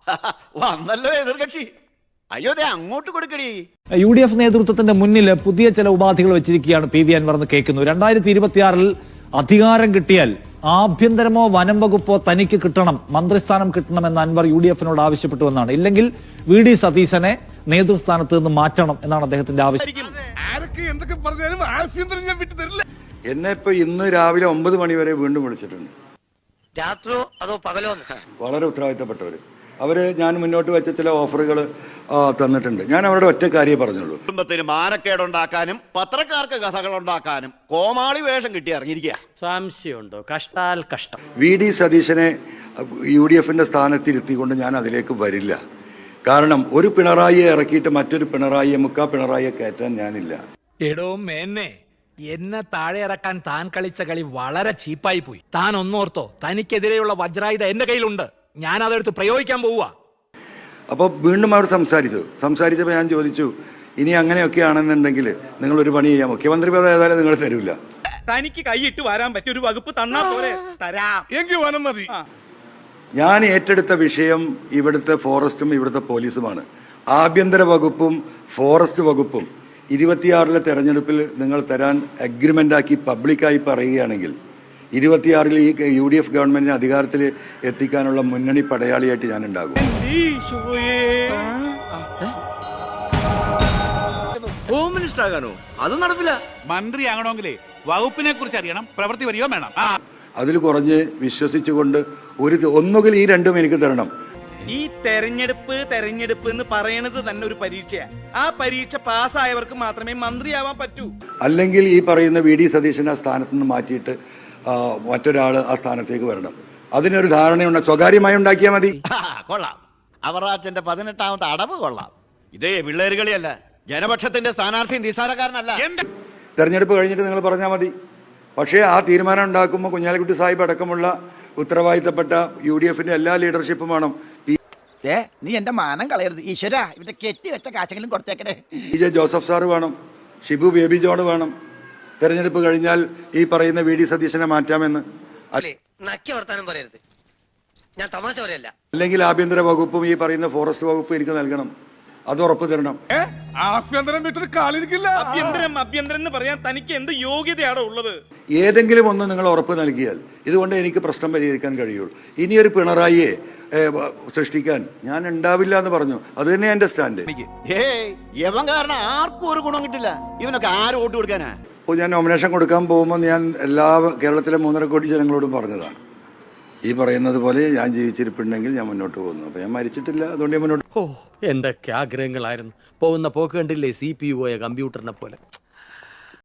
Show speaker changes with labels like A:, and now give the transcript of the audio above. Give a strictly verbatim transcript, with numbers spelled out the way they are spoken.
A: വന്നല്ലോ എതിർകക്ഷി. അയ്യോ ദേ അങ്ങോട്ട് കൊടുക്കടി.
B: യു ഡി എഫ് നേതൃത്വത്തിന്റെ മുന്നിൽ പുതിയ ചില ഉപാധികൾ വെച്ചിരിക്കുകയാണ് പി വി അൻവർ എന്ന് കേൾക്കുന്നു. രണ്ടായിരത്തി ഇരുപത്തിയാറിൽ അധികാരം കിട്ടിയാൽ ആഭ്യന്തരമോ വനം വകുപ്പോ തനിക്ക് കിട്ടണം, മന്ത്രിസ്ഥാനം കിട്ടണമെന്ന് അൻവർ യു ഡി എഫിനോട് ആവശ്യപ്പെട്ടുവെന്നാണ്. ഇല്ലെങ്കിൽ വി ഡി സതീശനെ നേതൃസ്ഥാനത്ത് നിന്ന് മാറ്റണം എന്നാണ് അദ്ദേഹത്തിന്റെ ആവശ്യം.
C: എന്നെ ഇപ്പൊ ഇന്ന് രാവിലെ ഒമ്പത് മണി വരെ വീണ്ടും വിളിച്ചിട്ടുണ്ട്.
D: രാത്രിയോ അതോ പകലോ?
C: വളരെ ഉത്തരവാദിത്തപ്പെട്ടവര്. അവര് ഞാൻ മുന്നോട്ട് വെച്ച ചില ഓഫറുകൾ തന്നിട്ടുണ്ട്. ഞാൻ അവരുടെ ഒറ്റ കാര്യമേ പറഞ്ഞുള്ളൂ.
A: കുടുംബത്തിന് മാനക്കേടുണ്ടാക്കാനും പത്രക്കാർക്ക് കഥകൾ ഉണ്ടാക്കാനും കോമാളി വേഷം കിട്ടി ഇറങ്ങിയിരിക്കുക.
E: സംശയമുണ്ടോ? കഷ്ടാൽ കഷ്ടം.
C: വി ഡി സതീശനെ യു ഡി എഫിന്റെ സ്ഥാനത്തിരുത്തിക്കൊണ്ട് ഞാൻ അതിലേക്ക് വരില്ല. കാരണം ഒരു പിണറായിയെ ഇറക്കിയിട്ട് മറ്റൊരു പിണറായിയെ മുക്കാ പിണറായിയെ കയറ്റാൻ ഞാനില്ല.
F: എടോ മേന്നെ, എന്നെ താഴെ ഇറക്കാൻ താൻ കളിച്ച കളി വളരെ ചീപ്പായി പോയി. താൻ ഒന്നോർത്തോ, തനിക്കെതിരെയുള്ള വജ്രായുധ എന്റെ കയ്യിലുണ്ട്. ഞാൻ അതെടുത്ത് പ്രയോഗിക്കാൻ പോവുക.
C: അപ്പോൾ വീണ്ടും അവർ സംസാരിച്ചു. സംസാരിച്ചപ്പോൾ ഞാൻ ചോദിച്ചു, ഇനി അങ്ങനെയൊക്കെ ആണെന്നുണ്ടെങ്കിൽ നിങ്ങൾ ഒരു പണി ചെയ്യാം, മുഖ്യമന്ത്രി പദം ഏതായാലും നിങ്ങൾ തരൂല.
G: തനിക്ക് കൈയിട്ട് വരാൻ പറ്റിയ ഒരു വകുപ്പ് തന്നാ പോരെ? തരാം. എങ്കിൽ വനം മതി.
C: ഞാൻ ഏറ്റെടുത്ത വിഷയം ഇവിടുത്തെ ഫോറസ്റ്റും ഇവിടുത്തെ പോലീസുമാണ്. ആഭ്യന്തര വകുപ്പും ഫോറസ്റ്റ് വകുപ്പും ഇരുപത്തിയാറിലെ തെരഞ്ഞെടുപ്പിൽ നിങ്ങൾ തരാൻ അഗ്രിമെൻ്റാക്കി പബ്ലിക്കായി പറയുകയാണെങ്കിൽ ഇരുപത്തിയാറിൽ ഈ യു ഡി എഫ് ഗവൺമെന്റിനെ അധികാരത്തിൽ എത്തിക്കാനുള്ള മുന്നണി പടയാളിയായിട്ട് ഞാൻ ഉണ്ടാകും.
G: ഹോം മിനിസ്റ്റർ ആകാനോ? അത് നടപ്പില്ല.
H: മന്ത്രി ആകണമെങ്കിലേ വകുപ്പിനെ കുറിച്ച് അറിയണം, പ്രവൃത്തി വരികയോ വേണം.
C: അതിൽ കുറഞ്ഞ് വിശ്വസിച്ചുകൊണ്ട് ഒരു ഒന്നുകിൽ ഈ രണ്ടും എനിക്ക് തരണം.
G: ഈ തെരഞ്ഞെടുപ്പ് തെരഞ്ഞെടുപ്പ് എന്ന് പറയണത് തന്നെ ഒരു പരീക്ഷയാണ്. ആ പരീക്ഷ പാസ്സായവർക്ക് മാത്രമേ മന്ത്രിയാവാൻ പറ്റൂ.
C: അല്ലെങ്കിൽ ഈ പറയുന്ന വി ഡി സതീശനെ ആ സ്ഥാനത്ത് നിന്ന് മാറ്റിയിട്ട് മറ്റൊരാൾ ആ സ്ഥാനത്തേക്ക് വരണം. അതിനൊരു ധാരണയുണ്ട്, സ്വകാര്യമായി ഉണ്ടാക്കിയാൽ മതി.
A: കൊള്ളാം. അവറാച്ചന്റെ പതിനെട്ടാമത്തെ അടവ് കൊള്ളാം. ഇതേ പിള്ളേരുകളിയല്ല, ജനപക്ഷത്തിന്റെ സ്ഥാനാർത്ഥി നിസാരക്കാരനല്ല.
C: തെരഞ്ഞെടുപ്പ് കഴിഞ്ഞിട്ട് നിങ്ങൾ പറഞ്ഞാൽ മതി. പക്ഷേ ആ തീരുമാനം ഉണ്ടാക്കുമ്പോൾ കുഞ്ഞാലിക്കുട്ടി സാഹിബ് അടക്കമുള്ള ഉത്തരവാദിത്തപ്പെട്ട യു ഡി എഫിന്റെ എല്ലാ ലീഡർഷിപ്പും വേണം.
I: നീ എന്റെ മാനം കളയരുത് ഈശ്വര. ഇവന്റെ കെട്ടി വെച്ച കാശെങ്കിലും കൊടുത്തേക്കണേ.
C: പി ജെ ജോസഫ് സാറ് വേണം, ഷിബു ബേബി ജോൺ വേണം. തെരഞ്ഞെടുപ്പ് കഴിഞ്ഞാൽ ഈ പറയുന്ന വി ഡി സതീശനെ മാറ്റാമെന്ന്.
D: ഞാൻ തമാശ പറയല്ല.
C: അല്ലെങ്കിൽ ആഭ്യന്തര വകുപ്പും ഈ പറയുന്ന ഫോറസ്റ്റ് വകുപ്പും എനിക്ക് നൽകണം. അത് ഉറപ്പ് തരണം.
G: ആഭ്യന്തരം വിട്ടിട്ട് കാലിരിക്കില്ല. ആഭ്യന്തരം ആഭ്യന്തരം എന്ന് പറയാൻ തനിക്ക് എന്ത് യോഗ്യതയാണോ ഉള്ളത്?
C: ഏതെങ്കിലും ഒന്ന് നിങ്ങൾ ഉറപ്പ് നൽകിയാൽ ഇതുകൊണ്ട് എനിക്ക് പ്രശ്നം പരിഹരിക്കാൻ കഴിയുള്ളൂ. ഇനിയൊരു പിണറായിയെ സൃഷ്ടിക്കാൻ ഞാൻ ഉണ്ടാവില്ല എന്ന് പറഞ്ഞു. അത് തന്നെ എന്റെ സ്റ്റാൻഡ്.
A: യവൻ കാരണം ആർക്കും ഒരു ഗുണം കിട്ടില്ല. ഇവനൊക്കെ ആര് വോട്ട് കൊടുക്കാനാ?
C: അപ്പോൾ ഞാൻ നോമിനേഷൻ കൊടുക്കാൻ പോകുമ്പോൾ ഞാൻ എല്ലാ കേരളത്തിലെ മൂന്നര കോടി ജനങ്ങളോടും പറഞ്ഞതാണ്, ഈ പറയുന്നത് പോലെ ഞാൻ ജീവിച്ചിരിപ്പുണ്ടെങ്കിൽ ഞാൻ മുന്നോട്ട് പോകുന്നു. അപ്പൊ ഞാൻ മരിച്ചിട്ടില്ല, അതുകൊണ്ട് ഞാൻ മുന്നോട്ട്.
E: ഓ, എന്തൊക്കെ ആഗ്രഹങ്ങളായിരുന്നു. പോകുന്ന പോക്ക് കണ്ടില്ലേ, സി പി യു പോയ കമ്പ്യൂട്ടറിനെ പോലെ.